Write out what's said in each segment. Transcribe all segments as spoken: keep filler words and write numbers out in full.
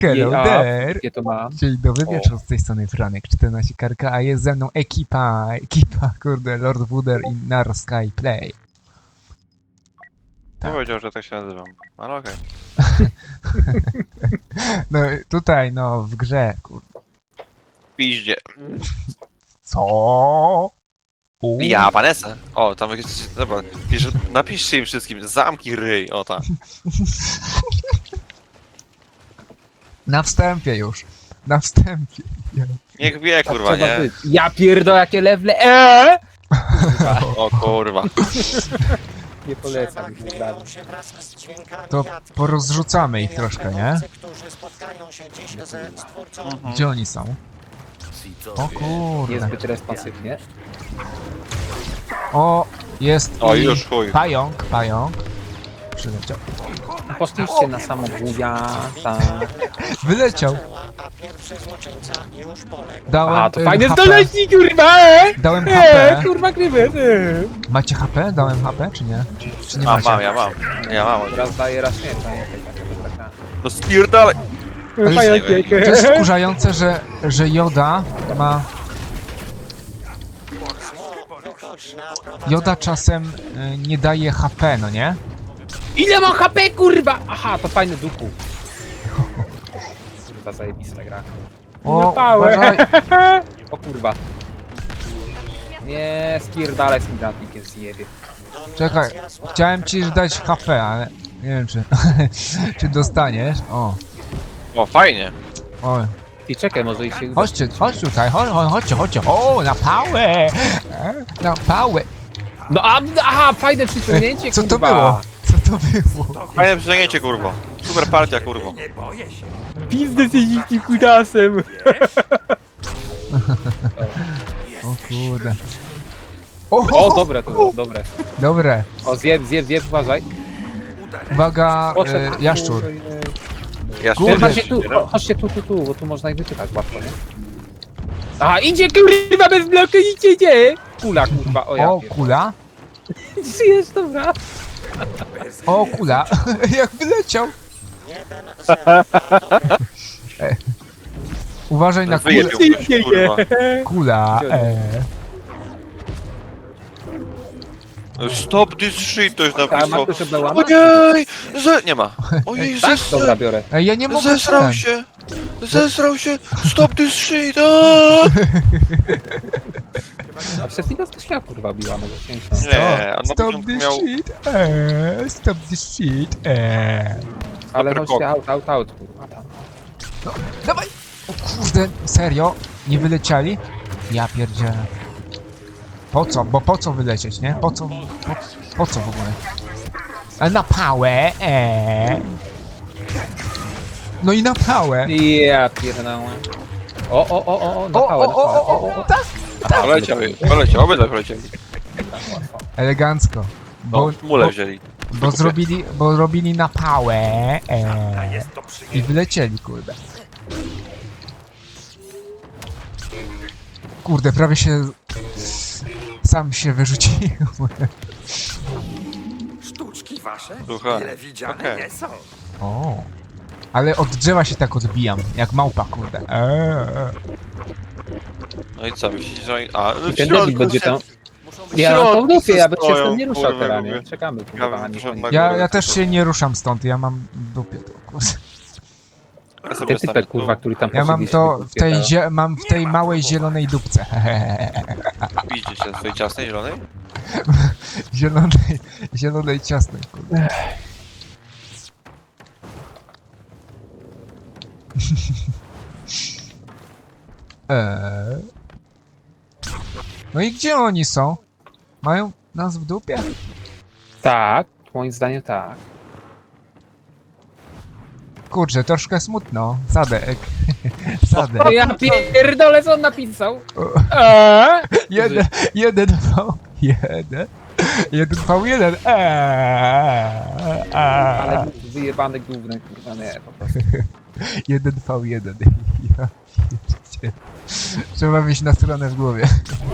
Hello A, there! gdzie to mam? Dzień dobry O. wieczór, z tej strony Franek czternaście Karka, a jest ze mną ekipa, ekipa, kurde, Lord Wooder i Nar Sky Play. Nie powiedział, że tak się nazywam, ale okej. No tutaj, no, w grze, kurde. Piździe. Co? U. Ja, Vanessa. O, tam jakieś... Dobra, pisz, napiszcie im wszystkim, zamki ryj, o tak. Na wstępie już, na wstępie. Ja. Niech wie, Tak kurwa, trzeba nie? być. Ja pierdolę, jakie lewle. Eee! O kurwa. Nie polecam ich dalej. To porozrzucamy ich troszkę, nie? Gdzie oni są? O kurde. Niezbyt responsywnie. O, jest O, i już chuj. pająk, pająk. Przyleciał. Poszliście na samo buja, tak. Wyleciał. Dałem A, to y, fajny H P. zdolności, kurwa! Eee! Dałem Eee, H P. kurwa, grywy, eee. Macie H P? Dałem H P, czy nie? Czy, czy nie Mam, macie? mam, ja mam. Ja mam. Raz daję, raz nie, pamiętaj, taka, taka. No spierdalaj! Ale Pająkiek. To jest wkurzające, że, że Joda ma... Joda czasem y, nie daje H P, no nie? Ile mam H P, kurwa? Aha, to fajny duchu. Kurwa, zajebista gra. O, pałę. uważaj. O kurwa. Nie, spierdalaj z tym granatnikiem, zjebie. Czekaj, chciałem ci dać H P, ale nie wiem czy, czy dostaniesz. O, O, fajnie. o. Ty czekaj, może i się uda. Chodźcie, chodź tutaj, chodź, chodź, chodźcie, chodźcie. O, na pałę! E, Na pałę! No a, aha, fajne przyciągnięcie, Co to kurwa. było? Co to było? Fajne przyciągnięcie, kurwo. Super partia, kurwo. Pizdę z jeździć kudasem. O kurde. O, dobre to było, dobre. Dobre. O, zjeb, zjeb, zjeb, uważaj. Uwaga, Poszedł. e, jaszczur. Ja Kurde. Chodźcie tu, cho- chodźcie tu, tu, tu, bo tu można ich wyczytać łatwo, nie? Aha, idzie kurwa bez bloku, idzie, idzie! Kula, kurwa, o ja O, pierdolę. kula. Żyjesz, dobra. O, kula. Jak wyleciał. E. Uważaj na kulę. Wyjebił ktoś, kurwa. Kula. E. Stop this shit, to już A napisał. ma ktoś oblałama? Ojej! Ze... Nie ma. Ojej, Tak? zesrał. Dobra, biorę. Ej, ja nie mogę Zesrał ten. się! Zesrał się! Stop this shit! Aaaa! A przez chwilę to śmiał, kurwa, biła, może ciężko. Nie, a na Stop początku this miał... shit. E. Stop this shit. E. Ale Super chodźcie out, out, out, kurwa, tam. No, dawaj! O kurde, serio? Nie wylecieli? Ja pierdzielę. Po co? Bo po co wylecieć, nie? Po co? Po, po co w ogóle? A na pałę, eee. No i na pałę. Ja pierdolę. O, o, o, o, o, na O, pałę, o, na o, pałę. o, o, tak. Poleciał, poleciał, obydwa polecieli. Elegancko. Bo, No, mule bo, wzięli. bo zrobili, bo robili na pałę, eee. I wylecieli, kurde. Kurde, prawie się... Sam się wyrzuciłem. Sztuczki wasze? Słuchaj, Wiele widziane okej. nie są. O. Ale od drzewa się tak odbijam, jak małpa, kurde. Eee. No i co, myślicie, że oni... A, w Ten środku debil będzie się- tam. w Ja mam środku to w dupie, ja bym się stoją, stąd nie ruszał kurwa, teraz, mówię. nie? Czekamy, Ja kurwa, bym nie poszedł koniec. na Ja, górę. ja też się nie ruszam stąd, ja mam w dupie to, kurde. Ja sobie Ten stawię typek, tu. kurwa, który tam Ja mam poszedł, to się w tej, wypierdala. zie- mam w tej małej zielonej dupce. Widzicie się w swojej ciasnej, zielonej? Zielonej, zielonej ciasnej, kurde. Eee. No i gdzie oni są? Mają nas w dupie? Tak, moim zdaniem tak. Kurczę, troszkę smutno. Sadek. Sadek. O, ja pierdolę, co on napisał? O. Eee? Jeden, jeden V jeden. Jeden V jeden. Eee. Ale wyjebany główny, kurwa, nie, po prostu. Jeden V jeden. Ja pierdzielę. Trzeba mieć na stronę w głowie.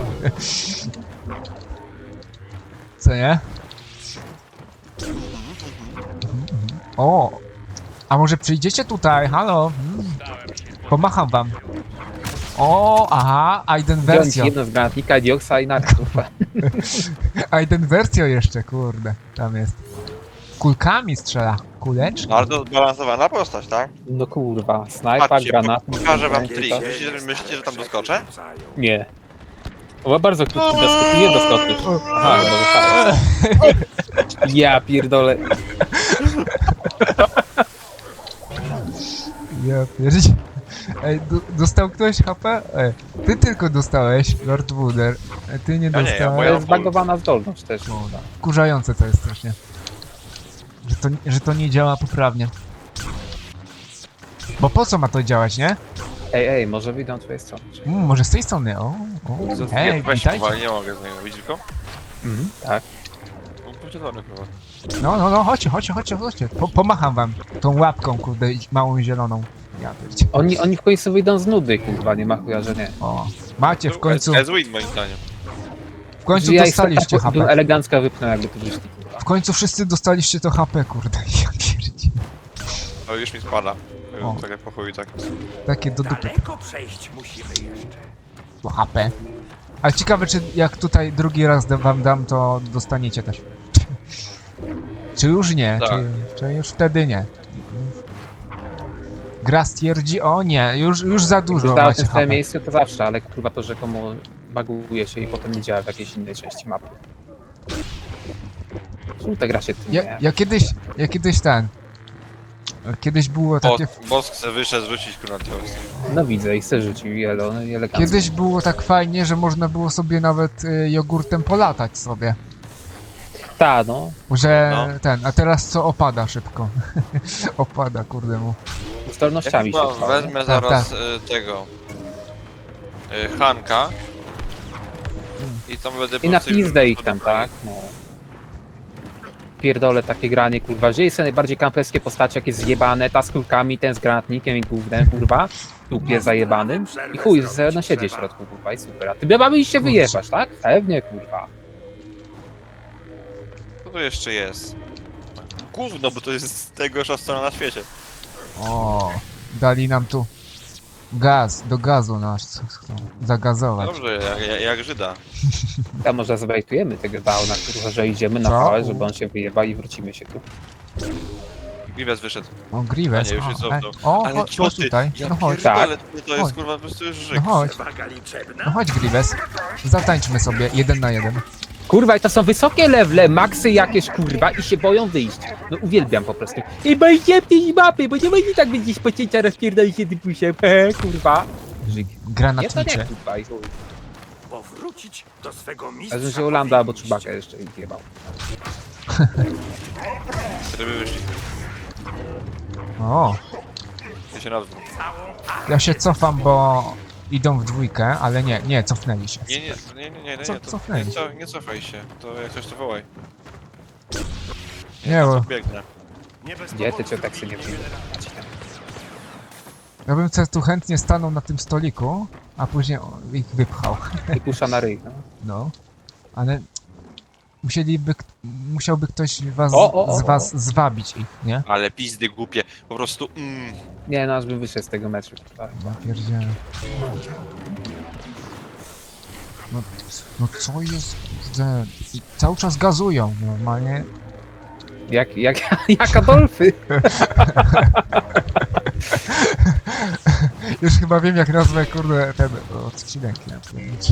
Co nie? O! A może przyjdziecie tutaj? Halo? Hmm. Pomacham wam. O, aha, Aiden Wziąć wersja. jedno z granatnika, dioksa i na kurwa. Aiden wersja jeszcze, kurde. Tam jest. Kulkami strzela. Kuleczki. Bardzo zbalansowana postać, tak? No kurwa, snajpa, Patrzcie, granat. po- pokażę wam trik. Myślicie, że- myślicie, że tam doskoczę? Nie. O, bardzo krótki doskok, nie doskoczysz. Aha, chyba dostałeś. Ja pierdolę. Ja pierdzie. Ej, do, dostał ktoś H P? Ej, ty tylko dostałeś, Lord Wooder. Ej, ty nie Ja nie, ja dostałeś. To moja- jest zbagowana zdolność też. No, wkurzające to jest strasznie. Że to, że to nie działa poprawnie. Bo po co ma to działać, nie? Ej, ej, może wyjdą od twojej strony. Mm, może z tej strony, o. o. Hej, Weź witajcie. powoli, nie mogę z niego. Widzisz go? Mhm, tak. No, podzielony chyba. No, no, no, chodźcie, chodźcie, chodźcie, chodźcie. Po, pomacham wam tą łapką, kurde, małą zieloną. Ja pierdzie. Oni, oni w końcu wyjdą z nudy, kurwa, nie ma chuja, że nie. O, macie w końcu, Ez win moim zdaniem. w końcu Ja ich dostaliście tak H bym P. elegancko wypnął, jakby to wyszli, kurwa. W końcu wszyscy dostaliście to H P, kurde. Ja pierdzie. O, już mi spada. O. Tak jak po chuju, tak. Takie do dupy. Daleko przejść musimy jeszcze. To H P. Ale ciekawe, czy jak tutaj drugi raz da- wam dam, to dostaniecie też. Czy już nie? Tak. Czy, czy już wtedy nie? Gra stwierdzi, o nie, już, już za dużo Zostałem w macie tym H samym P. miejscu to zawsze, ale kurwa to rzekomo baguje się i potem nie działa w jakiejś innej części mapy. Żółta gra się tym Ja, nie. ja kiedyś, ja kiedyś ten... Kiedyś było Bo, takie... boss chce wyszedł, rzucić kurwa teos. No widzę i chcę rzucił i elo, no i elegancko. Kiedyś było tak fajnie, że można było sobie nawet y, jogurtem polatać sobie. Ta, no. Że No. ten, a teraz co opada szybko. Opada, kurde mu. Zdolnościami się Ja chyba trwało. wezmę zaraz y, tego... Y, Hanka. I tam będę I na po prostu- pizdę ich tam, tak? No. Pierdolę takie granie, kurwa. Wzięli sobie najbardziej kamperskie postacie, jakie zjebane, ta z kulkami, ten z granatnikiem i gównem, kurwa. Tupie zajebanym. I chuj, sobie na siedzie w środku, kurwa, i super. A ty mamy iść się wyjebać, tak? Pewnie, kurwa. Co tu jeszcze jest? Gówno, bo to jest najgorsza strona na świecie. O, dali nam tu gaz, do gazu nas chcą zagazować. Dobrze, jak, jak, jak Żyda. A może zwejtujemy tego bauna, kurwa, że idziemy na Co? pałę, żeby on się wyjeba i wrócimy się tu. Grievous wyszedł. O, Grievous. A nie, już jest o, ej, cofnął. o, Ale chodź, co chodź ty? tutaj. Ja No chodź, Tak. pierdolę, to jest Chodź. kurwa po prostu już żyk. no chodź. Przewaga liczebna? No chodź, Grievous. Zatańczmy sobie, jeden na jeden. Kurwa, i to są wysokie levele, maksy jakieś, kurwa, i się boją wyjść. No uwielbiam po prostu. I boicie tej mapy, bo nie będzie tak będziesz pocięcia rozpierdolić się typusiem, hehe, kurwa. Że Nie, to nie, granatnicze. kurwa, i chuj. Powrócić do swego Ja mistrza. bym się Olanda albo powinniście. Czubaka jeszcze ich jebał. Żeby wyszli. O, Ja się nazwą. ja się cofam, bo idą w dwójkę, ale nie, nie, cofnęli się. Nie, nie, nie, nie, nie, nie, Co- nie, to, cofnęli. nie, co, nie cofaj się. To jak coś to wołaj. Nie, bo Biegnę. Nie bez Gdzie ty powodu cię tak się nie wybili przyjdzie? ja bym se tu chętnie stanął na tym stoliku, a później o, ich wypchał. I kusza na ryj, no. No, ale musieliby, k- musiałby ktoś was, O, o, o, z o. was zwabić ich, nie? Ale pizdy głupie. Po prostu mm. Nie, no aż bym wyszedł z tego meczu. kurwa. Ja pierdzielę. No, no co jest, kurde, i cały czas gazują, normalnie. Jak, jak, jak Adolfy. Już chyba wiem, jak nazwę, kurde, ten odcinek. Ja pierniczę.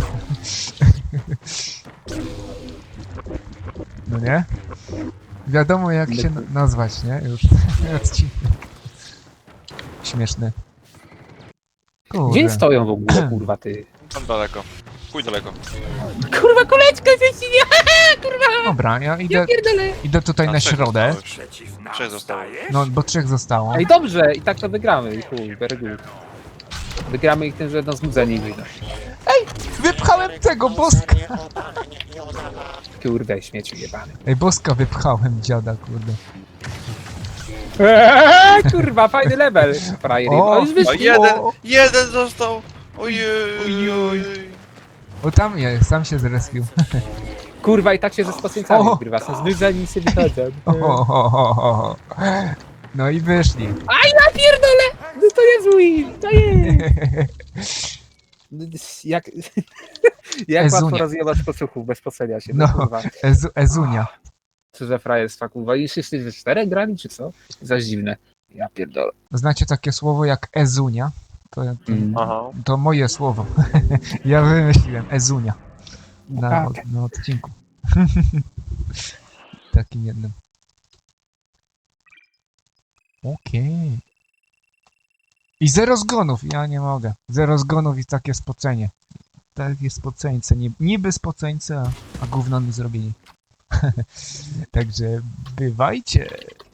No nie? Wiadomo, jak się na- nazwać, nie? Już odcinek. Śmieszny. Gdzie Kurde. stoją w ogóle, kurwa, ty? Tam daleko. Pójdź daleko. Kurwa, kuleczka zjeździnie, kurwa! Dobra, ja Ja idę, pierdolę. idę tutaj A na trzech środę. zostałeś. Przeciw nam Trzech zostało. stajesz? No, bo trzech zostało. Ej, dobrze, i tak to wygramy, i chuj, very good. Wygramy ich tym, że jedno znudzeni wyjdą. Wypchałem tego boska! Kurde, śmieciu jebany. Ej, boska wypchałem, dziada, kurde. Eee, kurwa, fajny level. Frajer, O, o, już O, wyszli. jeden! Jeden został! Ojej! Ojoj. O, tam jest, sam się zrespił. Kurwa, i tak się ze spacjencami O. wygrywa, są znudzeni i sobie wychodzą. O, o, o, o, o. No i wyszli. Ja pierdolę! No to jest win! To jest! Jak... Jak Ezunia. łatwo rozjebać posłuchów bez posenia się. No. No, kurwa. Ezu, Ezunia. Co za frajerstwa, kurwa. I wszyscy we czterech grali, czy co? Zaś dziwne. Ja pierdolę. Znacie takie słowo jak Ezunia? To, Mm. Aha. to moje słowo. Ja wymyśliłem Ezunia. Na, tak. od, na odcinku. Takim jednym. Okej. I zero zgonów, ja nie mogę. Zero zgonów i takie spocenie. Takie spoceńce, niby, niby spoceńce, a, a gówno mi zrobili. Także bywajcie.